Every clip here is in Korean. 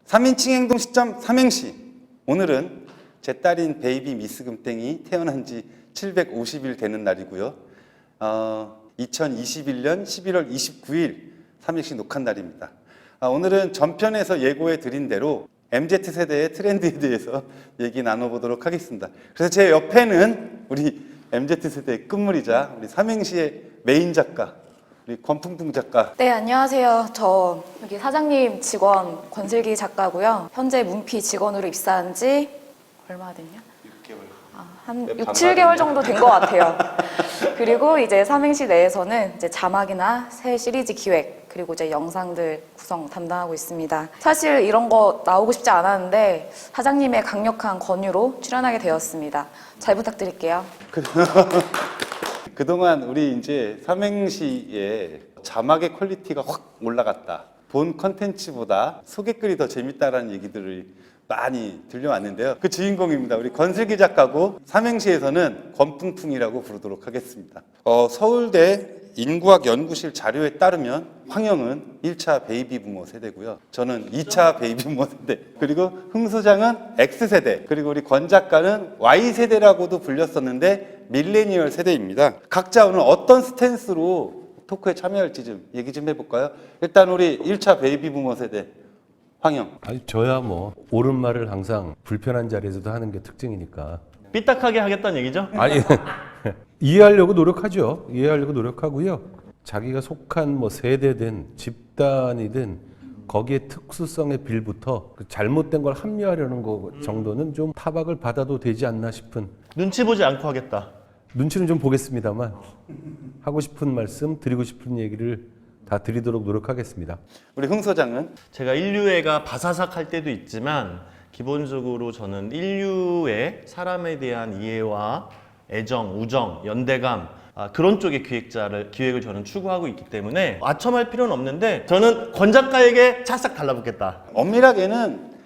3인칭 행동 시점 삼행시. 오늘은 제 딸인 베이비 미스 금땡이 태어난 지 750일 되는 날이고요. 2021년 11월 29일 삼행시 녹화 날입니다. 오늘은 전편에서 예고해 드린 대로 MZ세대의 트렌드에 대해서 얘기 나눠보도록 하겠습니다. 그래서 제 옆에는 우리 MZ세대의 끝물이자 우리 삼행시의 메인 작가, 우리 권풍풍 작가. 네, 안녕하세요. 저 여기 사장님 직원 권슬기 작가고요. 현재 문피 직원으로 입사한 지 얼마 됐냐? 6개월. 한 6, 7개월 정도 된 것 같아요. 그리고 이제 삼행시 내에서는 이제 자막이나 새 시리즈 기획, 그리고 이제 영상들 구성 담당하고 있습니다. 사실 이런 거 나오고 싶지 않았는데 사장님의 강력한 권유로 출연하게 되었습니다. 잘 부탁드릴게요. 그동안 우리 이제 삼행시의 자막의 퀄리티가 확 올라갔다. 본 컨텐츠보다 소개글이 더 재밌다라는 얘기들을 많이 들려왔는데요. 그 주인공입니다. 우리 권슬기 작가고 삼행시에서는 권풍풍이라고 부르도록 하겠습니다. 서울대 인구학연구실 자료에 따르면 황영은 1차 베이비 부모 세대고요. 저는 2차 베이비 부모 세대. 그리고 흥 소장은 X세대. 그리고 우리 권 작가는 Y세대라고도 불렸었는데 밀레니얼 세대입니다. 각자 오늘 어떤 스탠스로 토크에 참여할지 좀 얘기 좀 해볼까요? 일단 우리 1차 베이비 부모 세대 황영. 아니 저야 뭐 옳은 말을 항상 불편한 자리에서도 하는 게 특징이니까. 삐딱하게 하겠다는 얘기죠? 아니 이해하려고 노력하죠. 이해하려고 노력하고요. 자기가 속한 뭐 세대든 집단이든 거기에 특수성의 빌부터 그 잘못된 걸 합리화하려는 거 정도는 좀 타박을 받아도 되지 않나 싶은. 눈치 보지 않고 하겠다. 눈치는 좀 보겠습니다만 하고 싶은 말씀, 드리고 싶은 얘기를 다 드리도록 노력하겠습니다. 우리 흥 소장은 제가 인류애가 바사삭 할 때도 있지만 기본적으로 저는 인류의 사람에 대한 이해와 애정, 우정, 연대감 그런 쪽의 기획을 저는 추구하고 있기 때문에 아첨할 필요는 없는데 저는 권 작가에게 찰싹 달라붙겠다. 엄밀하게는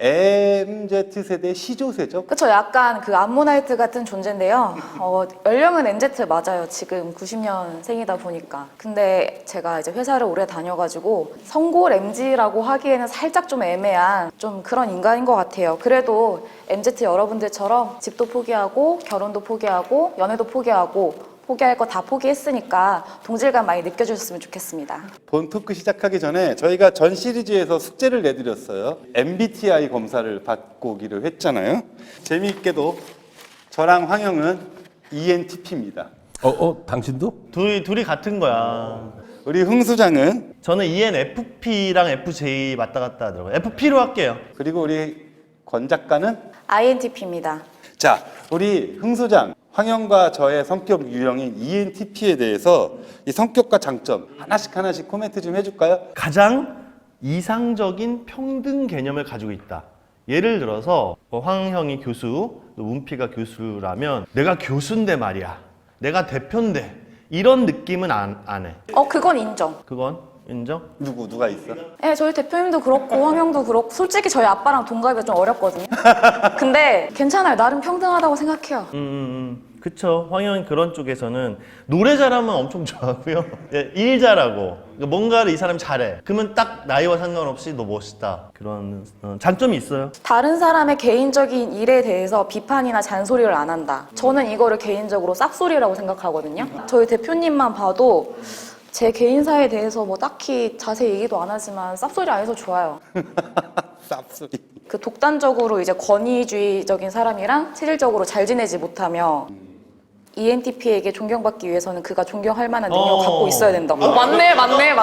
MZ세대 시조세죠. 그쵸, 약간 그 암모나이트 같은 존재인데요. 연령은 MZ 맞아요. 지금 90년생이다 보니까. 근데 제가 이제 회사를 오래 다녀가지고 성골 MZ라고 하기에는 살짝 좀 애매한 좀 그런 인간인 것 같아요. 그래도 MZ 여러분들처럼 집도 포기하고 결혼도 포기하고 연애도 포기하고 포기할 거 다 포기했으니까 동질감 많이 느껴주셨으면 좋겠습니다. 본 토크 시작하기 전에 저희가 전 시리즈에서 숙제를 내드렸어요. MBTI 검사를 받고 오기로 했잖아요. 재미있게도 저랑 황영은 ENTP입니다. 당신도? 둘이 같은 거야. 우리 흥 소장은, 저는 ENFP랑 FJ 왔다 갔다 하더라고요. FP로 할게요. 그리고 우리 권 작가는, INTP입니다. 자, 우리 흥 소장, 황영과 저의 성격 유형인 ENTP에 대해서 이 성격과 장점 하나씩 코멘트 좀 해줄까요? 가장 이상적인 평등 개념을 가지고 있다. 예를 들어서 황형이 교수, 문피가 교수라면 내가 교수인데 말이야. 내가 대표인데 이런 느낌은 안 해. 그건 인정. 그건 인정? 누가 있어? 네, 저희 대표님도 그렇고 황영도 그렇고 솔직히 저희 아빠랑 동갑이가 좀 어렵거든요. 근데 괜찮아요. 나름 평등하다고 생각해요. 그쵸. 황영이 그런 쪽에서는 노래 잘하면 엄청 좋아하고요. 일 잘하고 뭔가를 이 사람이 잘해. 그러면 딱 나이와 상관없이 너 멋있다. 그런 장점이 있어요. 다른 사람의 개인적인 일에 대해서 비판이나 잔소리를 안 한다. 저는 이거를 개인적으로 쌉소리라고 생각하거든요. 저희 대표님만 봐도 제 개인사에 대해서 뭐 딱히 자세히 얘기도 안 하지만 쌉소리 안 해서 좋아요. 쌉소리. 그 독단적으로 이제 권위주의적인 사람이랑 체질적으로 잘 지내지 못하며 ENTP에게 존경받기 위해서는 그가 존경할 만한 능력을 갖고 있어야 된다. 맞네.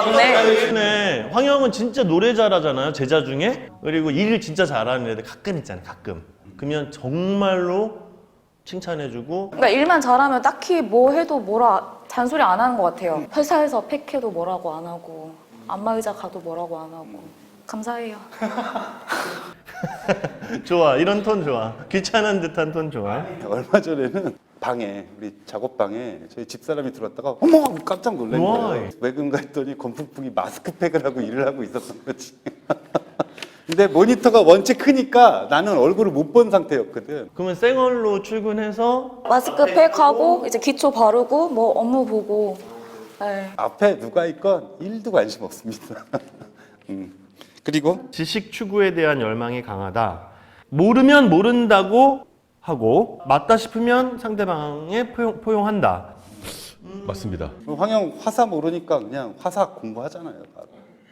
네. 황영은 진짜 노래 잘하잖아요. 제자 중에. 그리고 일을 진짜 잘하는 애들 가끔 있잖아요. 가끔. 그러면 정말로 칭찬해주고. 그러니까 일만 잘하면 딱히 뭐 해도 뭐라 잔소리 안 하는 것 같아요. 회사에서 팩해도 뭐라고 안 하고 안마의자 가도 뭐라고 안 하고 감사해요. 좋아. 이런 톤 좋아. 귀찮은 듯한 톤 좋아. 얼마 전에는 우리 작업방에 저희 집사람이 들어왔다가 어머 깜짝 놀란 거예요. 왜 그런가 했더니 권풍풍이 마스크팩을 하고 일을 하고 있었던 거지. 근데 모니터가 원체 크니까 나는 얼굴을 못 본 상태였거든. 그러면 생얼로 출근해서 마스크팩하고 이제 기초 바르고 뭐 업무 보고. 네. 앞에 누가 있건 1도 관심 없습니다. 그리고 지식 추구에 대한 열망이 강하다. 모르면 모른다고 하고 맞다 싶으면 상대방에 포용한다. 맞습니다. 황영 화사 모르니까 그냥 화사 공부하잖아요. 바로.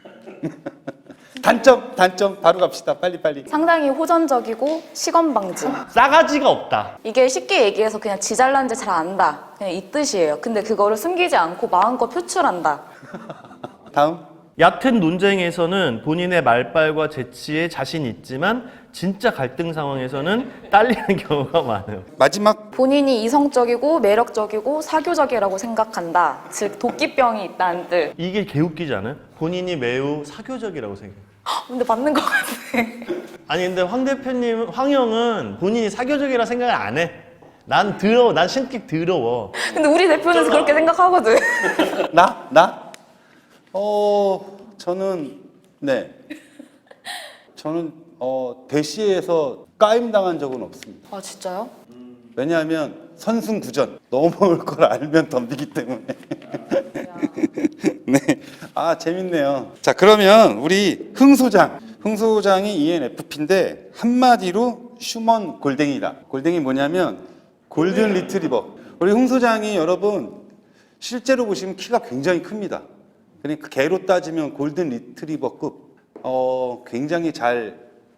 단점 바로 갑시다. 빨리. 상당히 호전적이고 시건방진. 싸가지가 없다. 이게 쉽게 얘기해서 그냥 지 잘난지 잘 안다. 그냥 이 뜻이에요. 근데 그거를 숨기지 않고 마음껏 표출한다. 다음. 얕은 논쟁에서는 본인의 말빨과 재치에 자신 있지만 진짜 갈등 상황에서는 딸리는 경우가 많아요. 마지막. 본인이 이성적이고 매력적이고 사교적이라고 생각한다. 즉 도끼병이 있다는 뜻. 이게 개웃기지 않아요? 본인이 매우 사교적이라고 생각해요. 근데 맞는 것 같아. 아니 근데 황 대표님, 황영은 본인이 사교적이라 생각을 안 해. 난 더러워. 난 신기 더러워. 근데 우리 대표는 그렇게 생각하거든. 나? 저는 네. 저는 대시에서 까임 당한 적은 없습니다. 아 진짜요? 왜냐하면 선승구전 넘어올 걸 알면 덤비기 때문에. 네. 아 재밌네요. 자 그러면 우리 흥소장이 ENFP인데 한마디로 휴먼 골댕이다. 골댕이 뭐냐면 골든 리트리버. 우리 흥소장이 여러분 실제로 보시면 키가 굉장히 큽니다. 그러니까 개로 따지면 골든 리트리버급. 굉장히 잘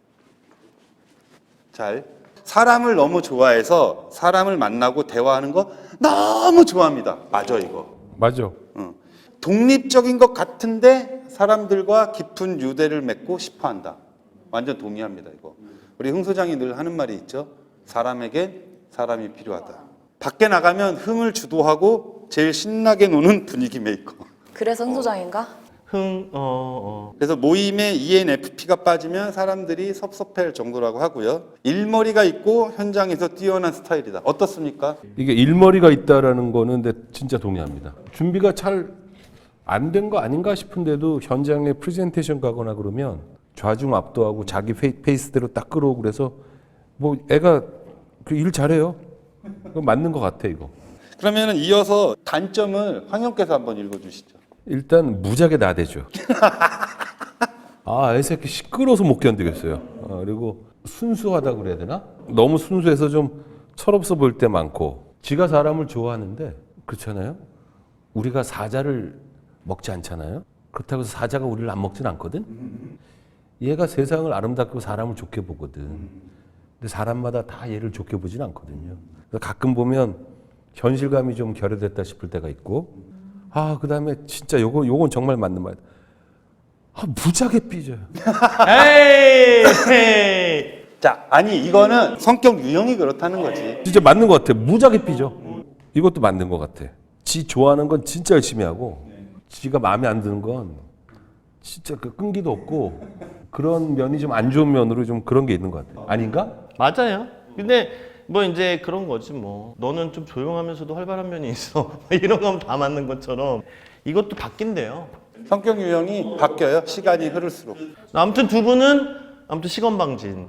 사람을 너무 좋아해서 사람을 만나고 대화하는 거 너무 좋아합니다. 맞아 이거. 맞아. 독립적인 것 같은데 사람들과 깊은 유대를 맺고 싶어한다. 완전 동의합니다 이거. 우리 흥 소장이 늘 하는 말이 있죠. 사람에겐 사람이 필요하다. 밖에 나가면 흥을 주도하고 제일 신나게 노는 분위기 메이커. 그래서 흥소장인가? 그래서 모임에 ENFP가 빠지면 사람들이 섭섭해할 정도라고 하고요. 일머리가 있고 현장에서 뛰어난 스타일이다. 어떻습니까? 이게 일머리가 있다라는 거는 근데 진짜 동의합니다. 준비가 잘 안 된 거 아닌가 싶은데도 현장에 프레젠테이션 가거나 그러면 좌중 압도하고 자기 페이스대로 딱 끌어오고 그래서 뭐 애가 그 일 잘해요. 그거 맞는 것 같아 이거. 그러면 이어서 단점을 황영께서 한번 읽어주시죠. 일단 무지하게 나대죠. 아, 이 새끼 시끄러워서 못 견디겠어요. 그리고 순수하다 그래야 되나? 너무 순수해서 좀 철없어 보일 때 많고. 지가 사람을 좋아하는데 그렇잖아요. 우리가 사자를 먹지 않잖아요. 그렇다고 해서 사자가 우리를 안 먹진 않거든. 얘가 세상을 아름답고 사람을 좋게 보거든. 근데 사람마다 다 얘를 좋게 보진 않거든요. 그래서 가끔 보면 현실감이 좀 결여됐다 싶을 때가 있고. 그다음에 진짜 요건 정말 맞는 말. 무지하게 삐져요. 에이. 자, 아니 이거는 성격 유형이 그렇다는 거지. 진짜 맞는 것 같아. 무지하게 삐져. 이것도 맞는 것 같아. 지 좋아하는 건 진짜 열심히 하고, 지가 마음에 안 드는 건 진짜 그 끈기도 없고 그런 면이 좀 안 좋은 면으로 좀 그런 게 있는 것 같아. 아닌가? 맞아요. 근데 뭐 이제 그런 거지 뭐. 너는 좀 조용하면서도 활발한 면이 있어. 이런 건 다 맞는 것처럼 이것도 바뀐대요. 성격 유형이 바뀌어요. 시간이 흐를수록. 아무튼 두 분은 시건방진.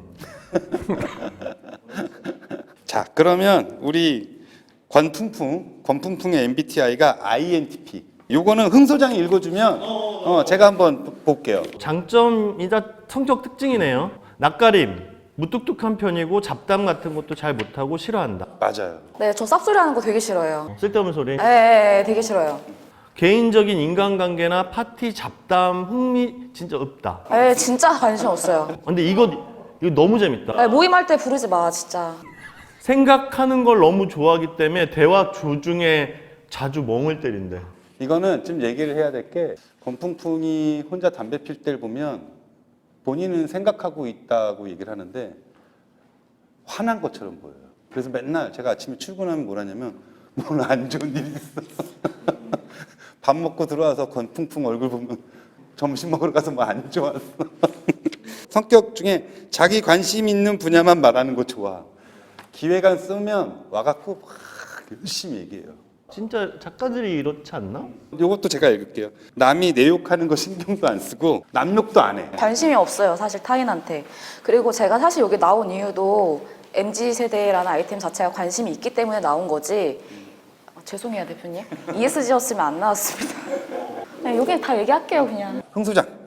자, 그러면 우리 권풍풍의 MBTI가 INTP. 요거는 흥 소장이 읽어주면 제가 한번 볼게요. 장점이자 성격 특징이네요. 낯가림, 무뚝뚝한 편이고 잡담 같은 것도 잘 못하고 싫어한다. 맞아요. 네, 저 쌉소리 하는 거 되게 싫어해요. 쓸데없는 소리. 네, 되게 싫어요. 개인적인 인간관계나 파티 잡담 흥미 진짜 없다. 네, 진짜 관심 없어요. 근데 이거 너무 재밌다. 네, 모임할 때 부르지 마, 진짜. 생각하는 걸 너무 좋아하기 때문에 대화 조중에 자주 멍을 때린대. 이거는 좀 얘기를 해야 될 게 권풍풍이 혼자 담배 필 때를 보면 본인은 생각하고 있다고 얘기를 하는데 화난 것처럼 보여요. 그래서 맨날 제가 아침에 출근하면 뭐라냐면 뭘 안 좋은 일이 있어. 밥 먹고 들어와서 권풍풍 얼굴 보면 점심 먹으러 가서 뭐 안 좋았어. 성격 중에 자기 관심 있는 분야만 말하는 거 좋아. 기획안 쓰면 와갖고 막 열심히 얘기해요. 진짜 작가들이 이렇지 않나? 이것도 제가 읽을게요. 남이 내 욕하는 거 신경도 안 쓰고 남 욕도 안 해. 관심이 없어요, 사실 타인한테. 그리고 제가 사실 여기 나온 이유도 MZ세대라는 아이템 자체가 관심이 있기 때문에 나온 거지. 죄송해요, 대표님. ESG였으면 안 나왔습니다. 네, 여기 다 얘기할게요, 그냥. 흥 소장.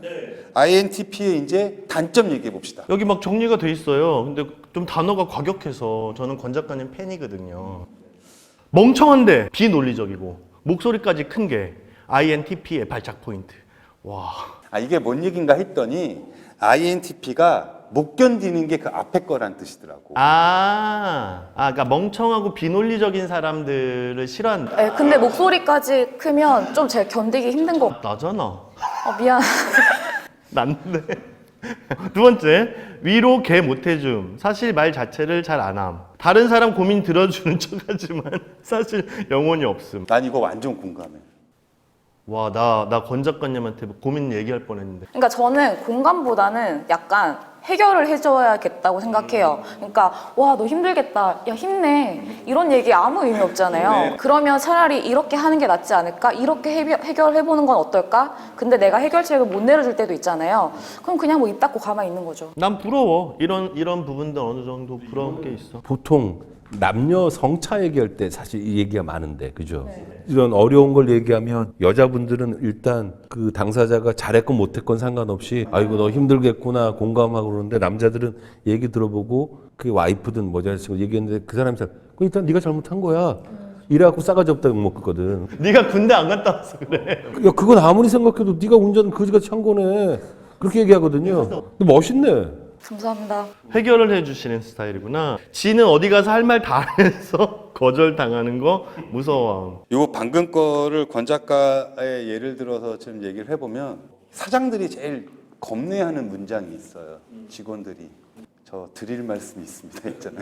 INTP의 이제 단점 얘기해 봅시다. 여기 막 정리가 돼 있어요. 근데 좀 단어가 과격해서 저는 권 작가님 팬이거든요. 멍청한데 비논리적이고 목소리까지 큰 게 INTP의 발작 포인트. 와. 이게 뭔 얘기인가 했더니 INTP가 못 견디는 게 그 앞에 거란 뜻이더라고. 그러니까 멍청하고 비논리적인 사람들을 싫어한다. 네, 근데 목소리까지 크면 좀 제가 견디기 힘든 거. 나잖아. 미안. 난데. 두 번째, 위로 개 못해줌. 사실 말 자체를 잘 안 함. 다른 사람 고민 들어주는 척하지만 사실 영혼이 없음. 난 이거 완전 공감해. 와, 나 권 작가님한테 고민 얘기할 뻔했는데. 그러니까 저는 공감보다는 약간 해결을 해줘야겠다고 생각해요. 그러니까 와, 너 힘들겠다. 야, 힘내. 이런 얘기 아무 의미 없잖아요. 그러면 차라리 이렇게 하는 게 낫지 않을까? 이렇게 해결해보는 건 어떨까? 근데 내가 해결책을 못 내려줄 때도 있잖아요. 그럼 그냥 뭐 입 닫고 가만히 있는 거죠. 난 부러워. 이런 부분들 어느 정도 부러운 게 있어. 보통 남녀 성차 얘기할 때 사실 이 얘기가 많은데, 그죠? 이런 어려운 걸 얘기하면 여자분들은 일단 그 당사자가 잘했건 못했건 상관없이 아이고 너 힘들겠구나 공감하고 그러는데, 남자들은 얘기 들어보고 그 와이프든 뭐 자식을 얘기했는데 그 사람이 잘 그럼 일단 네가 잘못한 거야 이래갖고 싸가지 없다고 먹거든. 네가 군대 안 갔다 와서 그래. 야, 그건 아무리 생각해도 네가 운전 그지같이 한 거네 그렇게 얘기하거든요. 근데 멋있네. 감사합니다. 해결을 해주시는 스타일이구나. 지는 어디 가서 할 말 다 해서 거절당하는 거 무서워. 요 방금 거를 권 작가의 예를 들어서 좀 얘기를 해보면 사장들이 제일 겁내하는 문장이 있어요. 직원들이 저 드릴 말씀이 있습니다 있잖아요.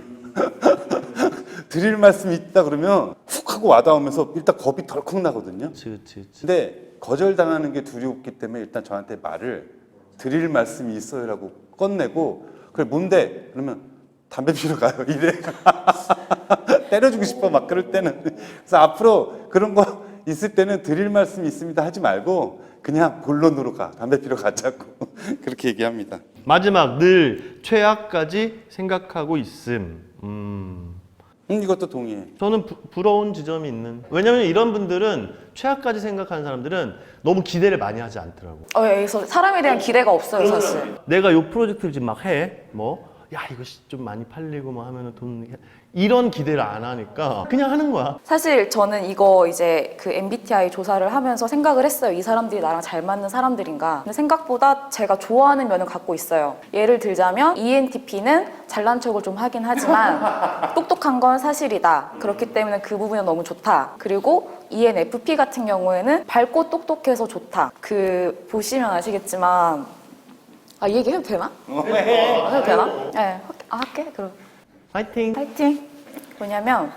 드릴 말씀이 있다 그러면 훅 하고 와닿으면서 일단 겁이 덜컥 나거든요. 그치. 근데 거절당하는 게 두렵기 때문에 일단 저한테 말을 드릴 말씀이 있어요라고 꺼내고 그래 뭔데? 그러면 담배 피러 가요 이래. 때려주고 싶어 막 그럴 때는. 그래서 앞으로 그런 거 있을 때는 드릴 말씀이 있습니다 하지 말고 그냥 본론으로 가. 담배 피러 가자고. 그렇게 얘기합니다. 마지막, 늘 최악까지 생각하고 있음. 이것도 동의해. 저는 부러운 지점이 있는. 왜냐면 이런 분들은 최악까지 생각하는 사람들은 너무 기대를 많이 하지 않더라고. 여기서 사람에 대한 기대가 없어요, 사실. 내가 요 프로젝트를 지금 막 해. 야, 이거 좀 많이 팔리고 뭐 하면은 이런 기대를 안 하니까 그냥 하는 거야. 사실 저는 이거 이제 그 MBTI 조사를 하면서 생각을 했어요. 이 사람들이 나랑 잘 맞는 사람들인가. 근데 생각보다 제가 좋아하는 면을 갖고 있어요. 예를 들자면 ENTP는 잘난 척을 좀 하긴 하지만 똑똑한 건 사실이다. 그렇기 때문에 그 부분은 너무 좋다. 그리고 ENFP 같은 경우에는 밝고 똑똑해서 좋다. 보시면 아시겠지만 이 얘기 해도 되나? 해도 되나? 네, 할게. 그럼. 파이팅. 파이팅! 뭐냐면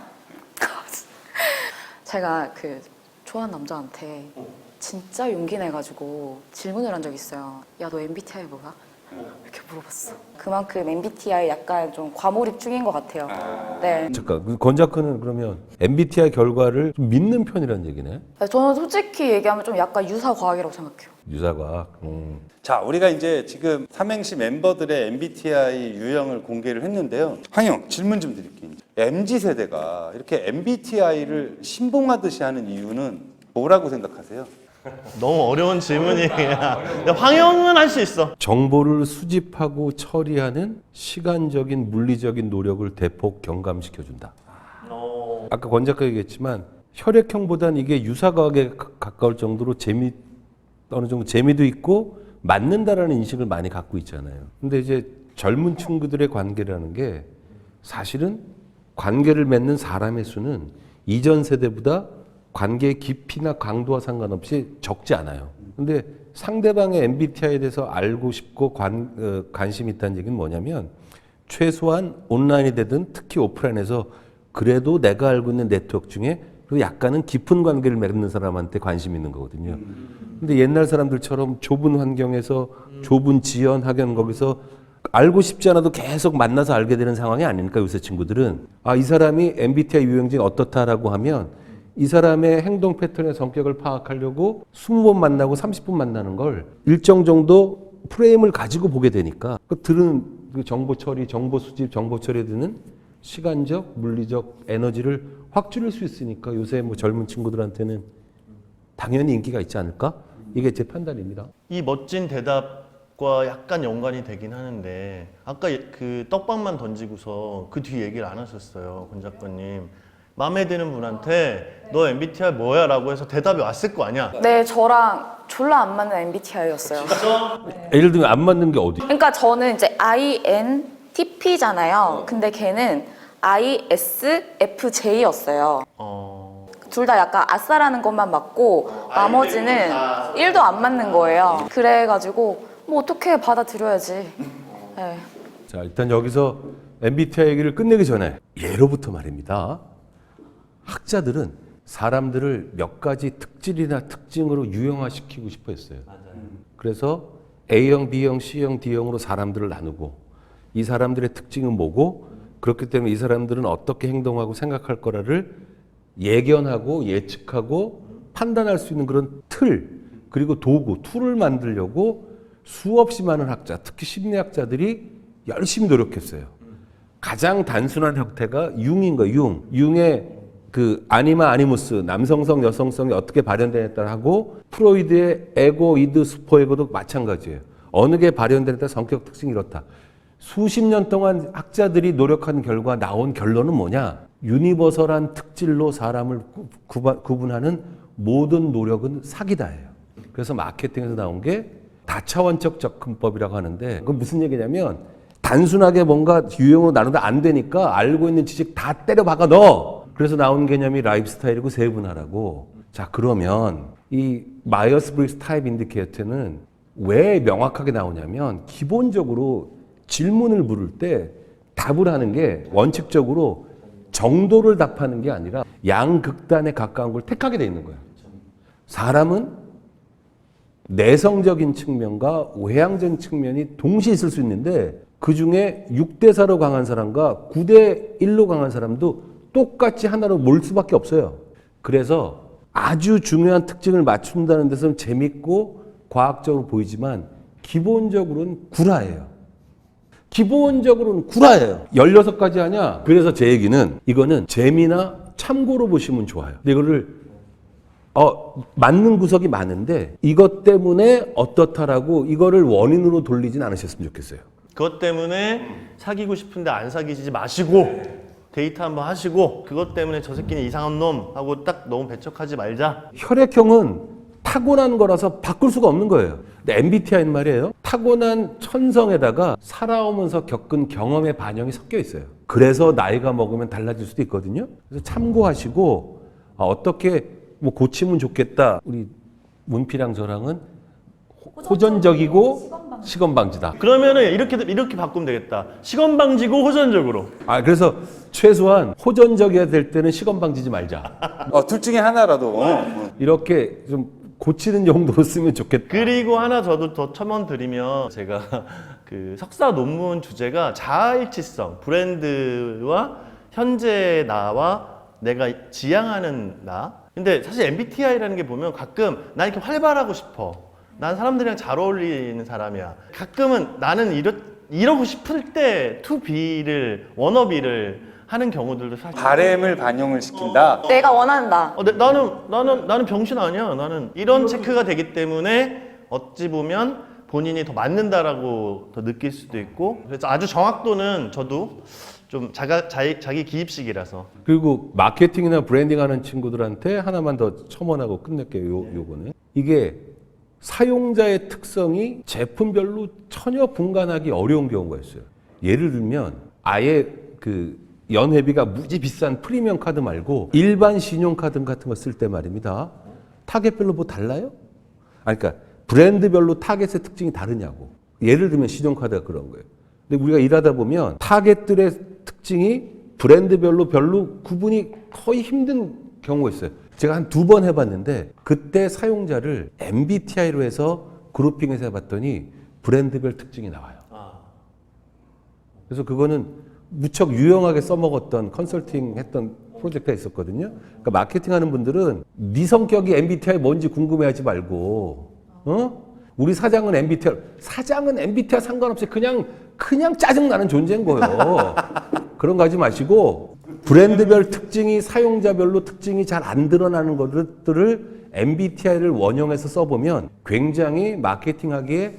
제가 좋아하는 남자한테 진짜 용기 내가지고 질문을 한 적이 있어요. 야, 너 MBTI 뭐야? 이렇게 물어봤어. 그만큼 MBTI 약간 좀 과몰입 중인 것 같아요. 네. 잠깐, 권 작가는 그러면 MBTI 결과를 좀 믿는 편이라는 얘기네? 저는 솔직히 얘기하면 좀 약간 유사과학이라고 생각해요. 유사과학. 자, 우리가 이제 지금 삼행시 멤버들의 MBTI 유형을 공개를 했는데요. 황영, 질문 좀 드릴게요. MZ세대가 이렇게 MBTI를 신봉하듯이 하는 이유는 뭐라고 생각하세요? 너무 어려운 질문이야. 황영은 할 수 있어. 정보를 수집하고 처리하는 시간적인 물리적인 노력을 대폭 경감시켜준다. 아까 권 작가 얘기했지만 혈액형보단 이게 유사과학에 가까울 정도로 어느 정도 재미도 있고 맞는다라는 인식을 많이 갖고 있잖아요. 근데 이제 젊은 친구들의 관계라는 게 사실은 관계를 맺는 사람의 수는 이전 세대보다 관계의 깊이나 강도와 상관없이 적지 않아요. 근데 상대방의 MBTI에 대해서 알고 싶고 관심이 있다는 얘기는 뭐냐면 최소한 온라인이 되든 특히 오프라인에서 그래도 내가 알고 있는 네트워크 중에 그리고 약간은 깊은 관계를 맺는 사람한테 관심이 있는 거거든요. 근데 옛날 사람들처럼 좁은 환경에서 좁은 지연 학연 거기서 알고 싶지 않아도 계속 만나서 알게 되는 상황이 아니니까 요새 친구들은 이 사람이 MBTI 유형 중에 어떻다라고 하면 이 사람의 행동 패턴의 성격을 파악하려고 20번 만나고 30분 만나는 걸 일정 정도 프레임을 가지고 보게 되니까 들은 정보 처리, 정보 수집, 정보 처리에 드는 시간적, 물리적 에너지를 확 줄일 수 있으니까 요새 뭐 젊은 친구들한테는 당연히 인기가 있지 않을까? 이게 제 판단입니다. 이 멋진 대답 과 약간 연관이 되긴 하는데 아까 그 떡밥만 던지고서 그 뒤 얘기를 안 하셨어요, 권 작가님. 마음에 드는 분한테 너 MBTI 뭐야? 라고 해서 대답이 왔을 거 아니야. 네, 저랑 졸라 안 맞는 MBTI였어요. 예를 들면 안 맞는 게 어디? 그러니까 저는 이제 INTP잖아요. 근데 걔는 ISFJ였어요. 둘 다 약간 아싸라는 것만 맞고 나머지는 1도 안 맞는 거예요. 그래가지고 뭐 어떻게 받아들여야지. 네. 자, 일단 여기서 MBTI 얘기를 끝내기 전에 예로부터 말입니다. 학자들은 사람들을 몇 가지 특질이나 특징으로 유형화시키고 싶어 했어요. 그래서 A형, B형, C형, D형으로 사람들을 나누고 이 사람들의 특징은 뭐고 그렇기 때문에 이 사람들은 어떻게 행동하고 생각할 거라를 예견하고 예측하고 판단할 수 있는 그런 틀 그리고 도구, 툴을 만들려고 수없이 많은 학자, 특히 심리학자들이 열심히 노력했어요. 가장 단순한 형태가 융인 거예요. 융. 융의 그 아니마 아니무스, 남성성, 여성성이 어떻게 발현되냐에 따라 하고 프로이드의 에고, 이드, 슈퍼에고도 마찬가지예요. 어느 게 발현되냐에 따라 성격 특징이 이렇다. 수십 년 동안 학자들이 노력한 결과 나온 결론은 뭐냐? 유니버설한 특질로 사람을 구분하는 모든 노력은 사기다예요. 그래서 마케팅에서 나온 게 다차원적 접근법이라고 하는데 그건 무슨 얘기냐면 단순하게 뭔가 유형으로 나누다 안 되니까 알고 있는 지식 다 때려 박아 넣어. 그래서 나온 개념이 라이프 스타일이고 세분화라고. 자, 그러면 이 마이어스 브릭스 타입 인디케이터는 왜 명확하게 나오냐면 기본적으로 질문을 물을 때 답을 하는 게 원칙적으로 정도를 답하는 게 아니라 양극단에 가까운 걸 택하게 돼 있는 거예요. 사람은 내성적인 측면과 외향적인 측면이 동시에 있을 수 있는데 그 중에 6대 4로 강한 사람과 9대 1로 강한 사람도 똑같이 하나로 몰 수밖에 없어요. 그래서 아주 중요한 특징을 맞춘다는 데서는 재밌고 과학적으로 보이지만 기본적으로는 구라예요. 기본적으로는 구라예요. 16가지 하냐? 그래서 제 얘기는 이거는 재미나 참고로 보시면 좋아요. 근데 이거를 맞는 구석이 많은데 이것 때문에 어떻다라고 이거를 원인으로 돌리진 않으셨으면 좋겠어요. 그것 때문에 사귀고 싶은데 안 사귀지 마시고 데이트 한번 하시고 그것 때문에 저 새끼는 이상한 놈 하고 딱 너무 배척하지 말자. 혈액형은 타고난 거라서 바꿀 수가 없는 거예요. 근데 MBTI는 말이에요. 타고난 천성에다가 살아오면서 겪은 경험의 반영이 섞여 있어요. 그래서 나이가 먹으면 달라질 수도 있거든요. 그래서 참고하시고 어떻게 뭐 고치면 좋겠다. 우리 문피랑 저랑은 호전적이고 시건방지다. 그러면은 이렇게 바꾸면 되겠다. 시건방지고 호전적으로. 그래서 최소한 호전적이어야 될 때는 시건방지지 말자. 둘 중에 하나라도. 이렇게 좀 고치는 정도로 쓰면 좋겠다. 그리고 하나 저도 더 첨언 드리면 제가 그 석사 논문 주제가 자아일치성, 브랜드와 현재 나와 내가 지향하는 나. 근데 사실 MBTI라는 게 보면 가끔 난 이렇게 활발하고 싶어. 난 사람들이랑 잘 어울리는 사람이야. 가끔은 나는 이러고 싶을 때 to be를 wannabe를 하는 경우들도 사실 바램을 반영을 시킨다. 내가 원한다. 나는 병신 아니야. 나는 이런 체크가 되기 때문에 어찌 보면 본인이 더 맞는다라고 더 느낄 수도 있고 그래서 아주 정확도는 저도 좀 자기 기입식이라서. 그리고 마케팅이나 브랜딩 하는 친구들한테 하나만 더 첨언하고 끝낼게요. 요거는. 이게 사용자의 특성이 제품별로 전혀 분간하기 어려운 경우가 있어요. 예를 들면 아예 그 연회비가 무지 비싼 프리미엄 카드 말고 일반 신용카드 같은 거 쓸 때 말입니다. 타겟별로 뭐 달라요? 그러니까 브랜드별로 타겟의 특징이 다르냐고. 예를 들면 신용카드가 그런 거예요. 근데 우리가 일하다 보면 타겟들의 특징이 브랜드별로 별로 구분이 거의 힘든 경우가 있어요. 제가 한 2번 해봤는데 그때 사용자를 MBTI로 해서 그룹핑해서 해봤더니 브랜드별 특징이 나와요. 그래서 그거는 무척 유용하게 써먹었던 컨설팅 했던 프로젝트가 있었거든요. 그러니까 마케팅 하는 분들은 네 성격이 MBTI 뭔지 궁금해하지 말고 우리 사장은 MBTI 상관없이 그냥 짜증나는 존재인 거예요. 그런 거 하지 마시고 브랜드별 특징이 사용자별로 특징이 잘 안 드러나는 것들을 MBTI를 원형해서 써보면 굉장히 마케팅하기에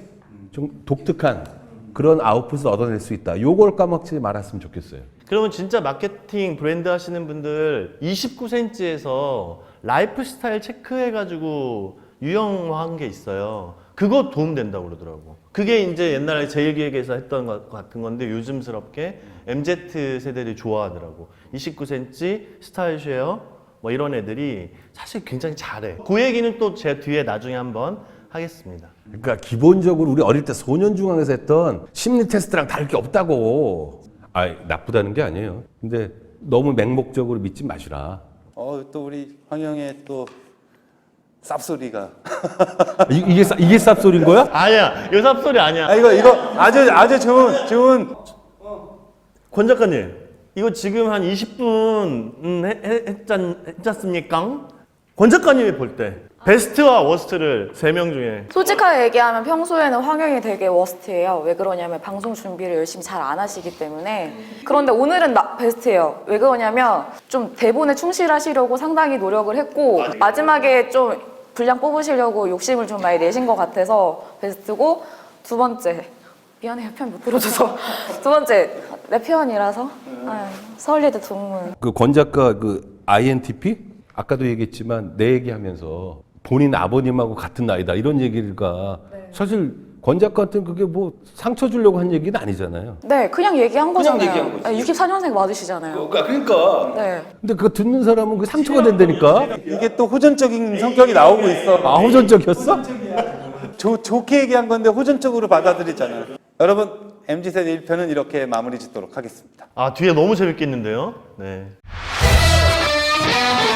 좀 독특한 그런 아웃풋을 얻어낼 수 있다. 요걸 까먹지 말았으면 좋겠어요. 그러면 진짜 마케팅 브랜드 하시는 분들 29cm에서 라이프 스타일 체크해가지고 유형화한 게 있어요. 그거 도움된다고 그러더라고. 그게 이제 옛날에 제일기획에서 했던 것 같은 건데 요즘스럽게 MZ 세대들이 좋아하더라고. 29cm, 스타일 쉐어 뭐 이런 애들이 사실 굉장히 잘해. 그 얘기는 또 제 뒤에 나중에 한번 하겠습니다. 그러니까 기본적으로 우리 어릴 때 소년중앙에서 했던 심리 테스트랑 다를 게 없다고. 아, 나쁘다는 게 아니에요. 근데 너무 맹목적으로 믿지 마시라. 또 우리 황영의 또 쌉소리가. 이게 쌉소리인 거야? 아니야, 이거 삽소리 아니야. 이거 아주 좋은. 권 작가님, 이거 지금 한 20분 했지 않습니까? 권 작가님이 볼 때 베스트와 워스트를 3명 중에 솔직하게 얘기하면 평소에는 황영이 되게 워스트예요. 왜 그러냐면 방송 준비를 열심히 잘 안 하시기 때문에. 그런데 오늘은 베스트예요. 왜 그러냐면 좀 대본에 충실하시려고 상당히 노력을 했고 마지막에 좀 분량 뽑으시려고 욕심을 좀 많이 내신 것 같아서 베스트고, 두 번째 미안해요, 편 못 들어줘서. 두 번째 내 편이라서 서울예대 동문. 그 권 작가 그 INTP 아까도 얘기했지만 내 얘기하면서 본인 아버님하고 같은 나이다 이런 얘기가 사실 권 작가한테는 그게 뭐 상처 주려고 한 얘기는 아니잖아요. 네, 그냥 얘기한 거잖아요. 얘기한 거지. 64년생 맞으시잖아요. 그러니까. 네. 근데 그거 듣는 사람은 그 상처가 된다니까. 이게 또 호전적인 성격이 나오고 있어. 아, 호전적이었어? 좋게 얘기한 건데 호전적으로 받아들이잖아요. 여러분, MZ세대 1편은 이렇게 마무리 짓도록 하겠습니다. 뒤에 너무 재밌겠는데요? 네.